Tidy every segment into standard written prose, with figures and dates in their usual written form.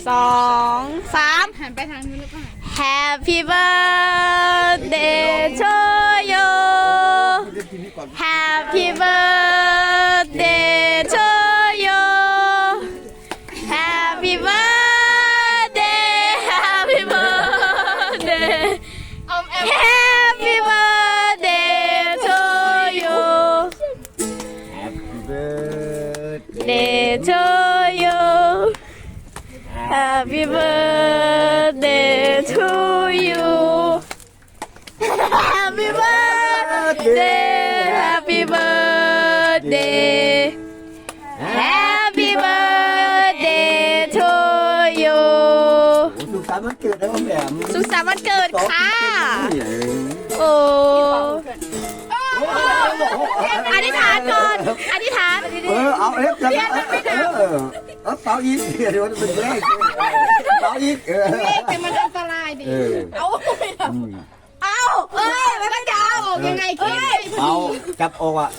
2 3 หันไปทางนู้นแล้วก็ Happy birthday to you Happy birthday to you Happy birthday Happy birthday Happy birthday to you Happy birthday Day to you Happy birthday to you Happy birthday Happy birthday Happy birthday to you สุขสันต์วันเกิดนะพ่อแหม่มสุขสันต์วันเกิดค่ะ โอ้อธิษฐานก่อน อธิษฐานเอาเอฟจะเป่าอีกเดี๋ยวมันเป็นเลขเป่าอีกแต่มันอันตรายดิเอาไม่ทำเอาเอ้ยมันจะเอาออกยังไงเอ้ยเอาจับออกอ่ะ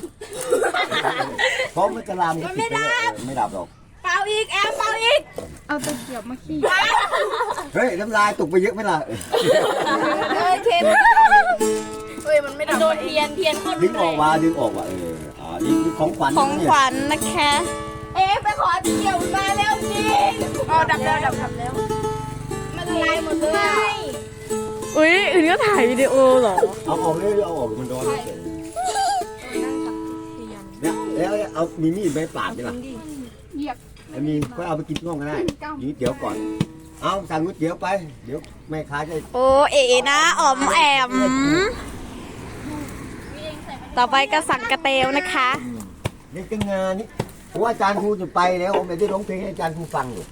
เพราะมันจะลามไม่ดับหรอกเป่าอีกแอมเป่าอีกเอาตะเกียบมาขี้เฮ้ยน้ำลายตกไปเยอะไหมล่ะเอ้ยเทมเฮ้ยมันไม่โดนเทียนคนดึงออกมานี่ของขวัญของขวัญนะคะ เอ๊ะไปขอเกี่ยวมาแล้วจริงอ๋อดับแล้วมันละลายหมดเลยอุ้ยอื่นก็ถ่ายวิดีโอเหรอเอาออกเลยเอาออกมันร้อนเนี่ยแล้วเอามีมีดไปปาดใช่ไหมเหยียบไอ้มีก็เอาไปกินน่องก็ได้นี่เดี๋ยวก่อน เอาสั่งก๋วยเตี๋ยวไปเดี๋ยวแม่ค้าจะโอ้เอ๋นะอ๋อมแอม ต่อไปก็สั่งกระเตวนะคะเด็กงานนี่เพราะว่าอาจารย์ครูจะไปแล้วผมไม่ได้ร้องเพลงให้อาจารย์ครูฟังอยู่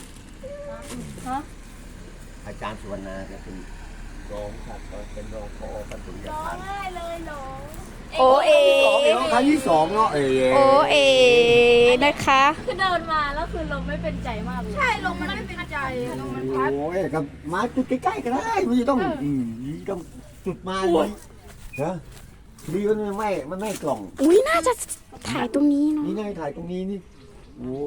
อาจารย์สุวรรณาจะเป็นรองครับเป็นรองพอปฐมยาทานโอเอครั้งที่สองเนาะโอเอนะคะคือเดินมาแล้วคือลมไม่เป็นใจมากเลยใช่ลงมันไม่เป็นใจลงมันพัดโอ้ยกับมาจุดใกล้ๆก็ได้ไม่ต้องต้องจุดมาเลยฮะดีมันไม่กล่องอุ้ยน่าจะถ่ายตรงนี้เนาะนี่นายถ่ายตรงนี้นี่โอ้